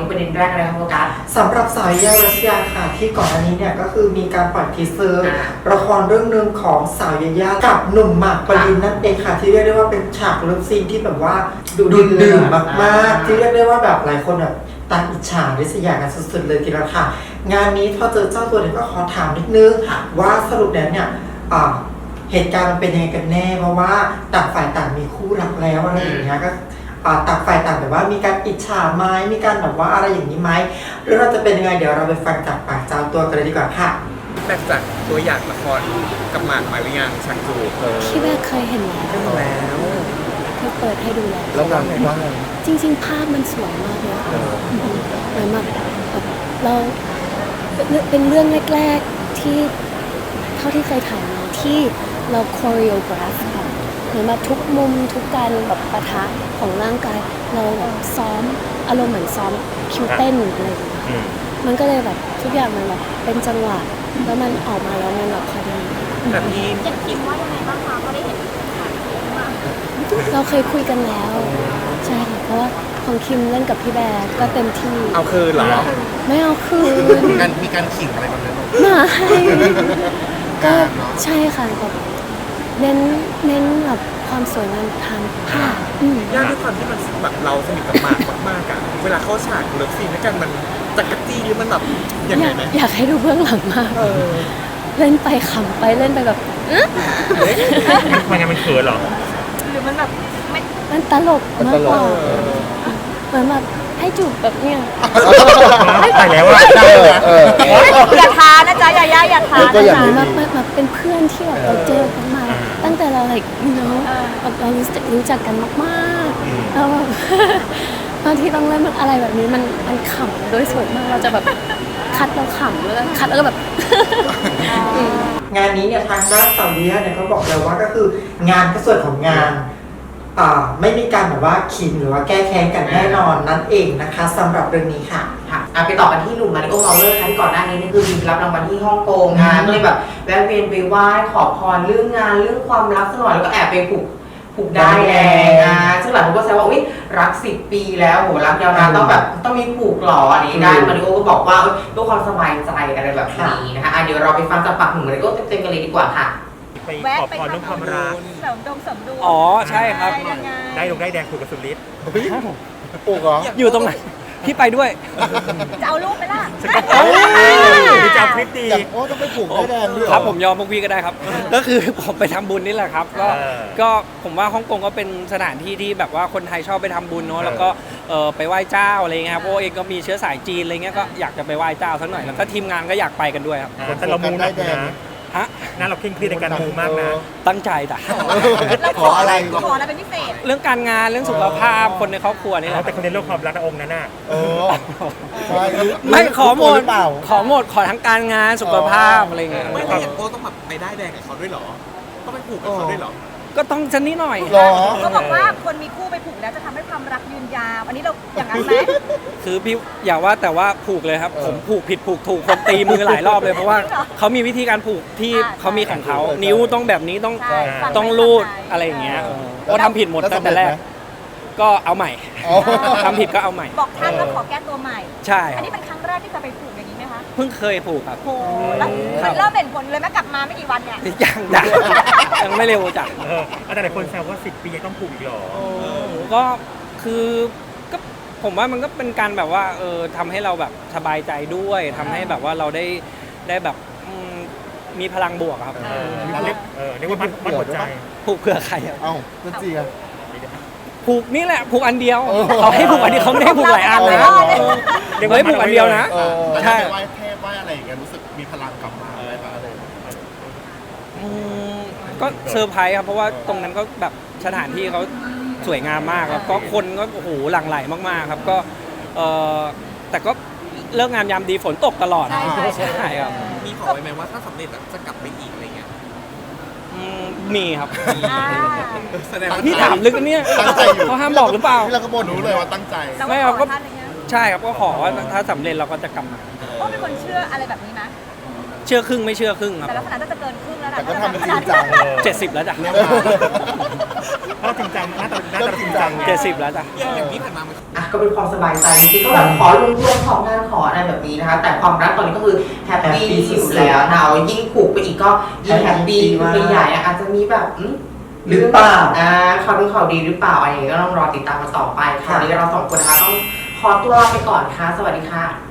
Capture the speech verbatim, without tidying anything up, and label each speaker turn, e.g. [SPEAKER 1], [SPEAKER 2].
[SPEAKER 1] นี่ประเด็นแรกอะไรครับโฟกัส
[SPEAKER 2] สำหรับสาวยารัสยาค่ะที่ก่อนอันนี้เนี่ยก็คือมีการปล่อยทีเซอร์ละครเรื่องนึงของสาวยายากับหนุ่มหมากปรินนั่นเองค่ะที่เรียกได้ว่าเป็นฉากเลิฟซีนที่แบบว่าดูดื่มมากๆที่เรียกได้ว่าแบบหลายคนแบบตาอิจฉาริษยากันสุดๆเลยทีเดียวค่ะงานนี้พอเจอเจ้าตัวเนี่ยก็ขอถามนิดนึงว่าสรุปแล้วเนี่ยเหตุการณ์มันเป็นยังไงกันแน่เพราะว่าต่างฝ่ายต่างมีคู่รักแล้วอะไรอย่างเงี้ยก็ต่างฝ่ายต่างแบบว่ามีการอิจฉาไหมมีการแบบว่าอะไรอย่างนี้ไหมหรือเราจะเป็นยังไงเดี๋ยวเราไปฟังจากปากเจ้าตัวกันเลยดีกว่าค่ะ
[SPEAKER 3] แตกจากตัวอย่างละครกับหมากหมายวิญญาณชังจู
[SPEAKER 4] พี่แม่เคยเห็นแล้วเคยเปิดให้ดูแล้วแล้วว่าไงว่าจริงๆภาพมันสวยมากเลยเหมือนแบบเราเป็นเรื่องแรกๆที่เท่าที่เคยถ่ายมาที่เราโคเรียกราฟค่ะเหมือนแบบทุกมุมทุกการแบบปะทะของร่างกายเราแบบซ้อมอารมณ์เหมือนซ้อมคิวเต้นอะไรอย่างเงี้ยมันก็เลยแบบทุกอย่างมันแบบเป็นจังหวะแล้วมันออกมาแล้วมันแบบพอดี
[SPEAKER 3] แบบนี้
[SPEAKER 5] อยากคิดว่ายังไงบ้างคะก็ได้เห็น
[SPEAKER 4] เราเคยคุยกันแล้วใช่ค่ะเพราะว่าของคิมเล่นกับพี่แบร์ก็เต็มที่
[SPEAKER 3] เอาคืนเหรอ
[SPEAKER 4] ไม่เอาคืน
[SPEAKER 3] มีการมีการขิงอะไรแบบนั้น
[SPEAKER 4] มาให้ก็ใช่ค่ะแบบเน้นเน้นแบบความสวยงามทางภาพ
[SPEAKER 3] ยากด้วยความที่มันแบบเราสนิทกับหมากมากๆอะเวลาเข้าฉากเลิฟซีนด้วยกันมันจักรจี้หรือมันแบบยังไงไหม
[SPEAKER 4] อยากให้ดูเบื้องหลังมากเล่นไปขำไปเล่นไปแบบ
[SPEAKER 3] มันยังมันเขินหรอ
[SPEAKER 5] หรือมันแบบไม่
[SPEAKER 4] มันตลกมากกว่าเหมือนแบบให้จูบแบบเนี้ย
[SPEAKER 3] ไปแล้วอะ
[SPEAKER 5] อย่าทานะจ๊ะอย่าย่าอย่าทา
[SPEAKER 4] นะจ๊ะแบบแบบเป็นเพื่อนที่แบบเราเจอกันมาตั้งแต่เราlike you know แบบเรารู้จักรู้จักกันมากๆแล้วแบบตอนที่ต้องเล่นมันอะไรแบบนี้มันมันขำโดยส่วนมากเราจะแบบคัดเราขำแล้วคัดแล้วก็แบบ
[SPEAKER 2] งานนี้เนี่ยทางด้านสาวดีเนี่ยก็บอกเลยว่าก็คืองานก็ส่วนของงานไม่มีการแบบว่าขิงหรือว่าแก้แค้นกันแน่นอนนั่นเองนะคะสำหรับเรื่องนี้ค่ะ
[SPEAKER 1] ค่ะไปต่อกันที่หนุ่มมาริโอ เมาเลอร์ค่ะที่ก่อนหน้านี้นี่คือมีรับรางวัลที่ฮ่องกงงานก็เลยแบบแวะเวียนไปไหว้ขอพรเรื่องงานเรื่องความรักสักหน่อยแล้วก็แอบไปผูกผูกได้แดงอ่ะซึ่งหลายคนก็แซวว่าอุ้ยรักสิบปีแล้วโหรักยาวนานต้องแบบต้องมีผูกหล่ออันนี้ได้มาริโอก็บอกว่าเพื่อความสบายใจอะไรแบบนี้นะคะเดี๋ยวเราไปฟังจากปากหนุ่มมาริโอเต็มๆกันเลยดีกว่าค่ะ
[SPEAKER 3] ไปขอพรเรื่องความรัก
[SPEAKER 5] เสริมดวงเสริมดวง
[SPEAKER 3] อ๋อใช่ครับได้ลงได้แดงถูกกับสุดฤทธิ์
[SPEAKER 6] ปลูกเหรอ
[SPEAKER 3] อยู่ตรงไหนพี่ไปด้วย
[SPEAKER 5] จะเอารูปไปล่ะ
[SPEAKER 3] จะพริตตี
[SPEAKER 6] โอ้ต้องไปปลูกได้แดงด้วย
[SPEAKER 7] ครับผมยอมพวกพี่ก็ได้ครับก็คือผมไปทำบุญนี่แหละครับก็ก็ผมว่าฮ่องกงก็เป็นสถานที่ที่แบบว่าคนไทยชอบไปทำบุญเนาะแล้วก็ไปไหว้เจ้าอะไรเงี้ยครับโอ้เองก็มีเชื้อสายจีนอะไรเงี้ยก็อยากจะไปไหว้เจ้าสักหน่อยแล้วก็ทีมงานก็อยากไปกันด้วยครับ
[SPEAKER 3] แต่เรามูได้แดงฮะนั่นเราเคร่งเครียดในการมูมากนะ
[SPEAKER 7] ตั้งใจจ้ะ
[SPEAKER 5] ขออะไรขออะไรเป็นพิเศษ
[SPEAKER 7] เรื่องการงานเรื่องสุขภาพคนในครอบครัวนี่แหละ
[SPEAKER 3] แต่คนในโลกความรักองค์นั้นน่ะ
[SPEAKER 7] ไม่ขอหมดขอหมดขอทั้งการงานสุขภาพอะไรเงี้ย
[SPEAKER 3] ไม่อย่างโก้ต้องแบบไปได้แดงกับเขาด้วยหรอต้องไปผูกกับเขาด้วยหรอ
[SPEAKER 7] ก็ต้องชนิดหน่อย
[SPEAKER 5] เขาบอกว่าคนมีคู่ไปผูกแล้วจะทำให้ความรักยืนยาวอันนี้เราอย่างนั้นไหม
[SPEAKER 7] คือพี่อย่าว่าแต่ว่าผูกเลยครับผมผูกผิดผูกถูกคนตีมือหลายรอบเลยเพราะว่าเขามีวิธีการผูกที่เขามีของเขานิ้วต้องแบบนี้ต้องต้องรูดอะไรอย่างเงี้ยก็ทำผิดหมดตั้งแต่แรกก็เอาใหม่ทำผิดก็เอาใหม่
[SPEAKER 5] บอกท่านว่าขอแก้ตัวใหม่
[SPEAKER 7] ใช่
[SPEAKER 5] อันนี้เป็นครั้งแรกที่จะไปผูกอย่างนี้ไหมคะ
[SPEAKER 7] เพิ่งเคยผูกครับ
[SPEAKER 5] โอ้แล้วเริ่มเห็นผลเลยไหมกลับมาไม่กี่วันเนี่ย
[SPEAKER 7] ยังยังยังไม่เร็วจ้ะ
[SPEAKER 3] แต่หลายคนแซวว่าสิบปียังต้องผูกอีกหรอ
[SPEAKER 7] ก็คือก็ผมว่ามันก็เป็นการแบบว่าเออทำให้เราแบบสบายใจด้วยทำให้แบบว่าเราได้ได้แบบมีพลังบวกครับ
[SPEAKER 3] เรียกเออเรียกว่ามัดหัวใจ
[SPEAKER 7] ผูกเพื่อใครอ่ะ
[SPEAKER 6] เอ้าเพื่อจีอะ
[SPEAKER 7] ผูกนี่แหละผูกอันเดียวเขาให้ผูกอันเดียวเขาไม่ได้ผูกหลายอันนะเดี๋ยวให้ผูกอันเดียวนะ
[SPEAKER 6] ใช่ไหว้เทพไหว้อะไรอย่างเงี้ยรู้สึกมีพลังกลับมาอะไรบ้างอะไร
[SPEAKER 7] ก็เซอร์ไพรส์ครับเพราะว่าตรงนั้นก็แบบสถานที่เขาสวยงามมากแล้วก็คนก็โอ้โหหลั่งไหลมากๆครับก็เออแต่ก็เลิกงามยามดีฝนตกตลอดใช่ครับ
[SPEAKER 3] มีขอไว้ไหมว่าถ้าสำเร็จจะกลับไปอีกอะไรเงี้ย
[SPEAKER 7] มีครับพี่ถามลึกเนี่ยเขาห้ามบอกหรือเปล่า
[SPEAKER 6] พี่เราก็บอกหนูเลยว่าตั้งใจ
[SPEAKER 7] ไม่ครับก็ใช่ครับก็ขอว่าถ้าสำเร็จเราก็จะกลับมา
[SPEAKER 5] ก็เป็นคนเชื่ออะไรแบบนี้นะ
[SPEAKER 7] เชื่อครึ่งไม่เชื่อครึ่งครับ
[SPEAKER 5] แต่ลักษณะน่าจะเกินครึ่งแล้วนะ
[SPEAKER 6] แต่ก็ทำเป็นจริงจัง
[SPEAKER 7] เจ็ดสิบแล้วจ้ะ
[SPEAKER 6] น่าจริงจังน่าจะน่าจะจริงจัง
[SPEAKER 7] เจ็ดสิบแล้วจ้ะ
[SPEAKER 3] อย่างที่ผ่านมามัน
[SPEAKER 1] อ่ะก็เป็นความสบายใจจริงๆก็แบบขอรวมๆของงานขออะไรแบบนี้นะคะ แต่ความรักตอนนี้ก็คือแฮปปี้
[SPEAKER 2] Happy
[SPEAKER 1] อยู่
[SPEAKER 2] สุดๆ
[SPEAKER 1] แล้วนะยิ่งผูกไปอีกก็ยิ่งแฮปปี้
[SPEAKER 2] Happy
[SPEAKER 1] คือไปใหญ่อะอาจจะมีแบบอืม
[SPEAKER 2] หรือเปล่า
[SPEAKER 1] อ่าเขาดูเขาดีหรือเปล่าอะไรอย่างเงี้ยก็ต้องรอติดตามกันต่อไปค่ะ
[SPEAKER 2] ค่ะ
[SPEAKER 1] วันนี้เราสองคนนะคะต้องขอตัวลาไปก่อนค่ะ สวัสดีค่ะ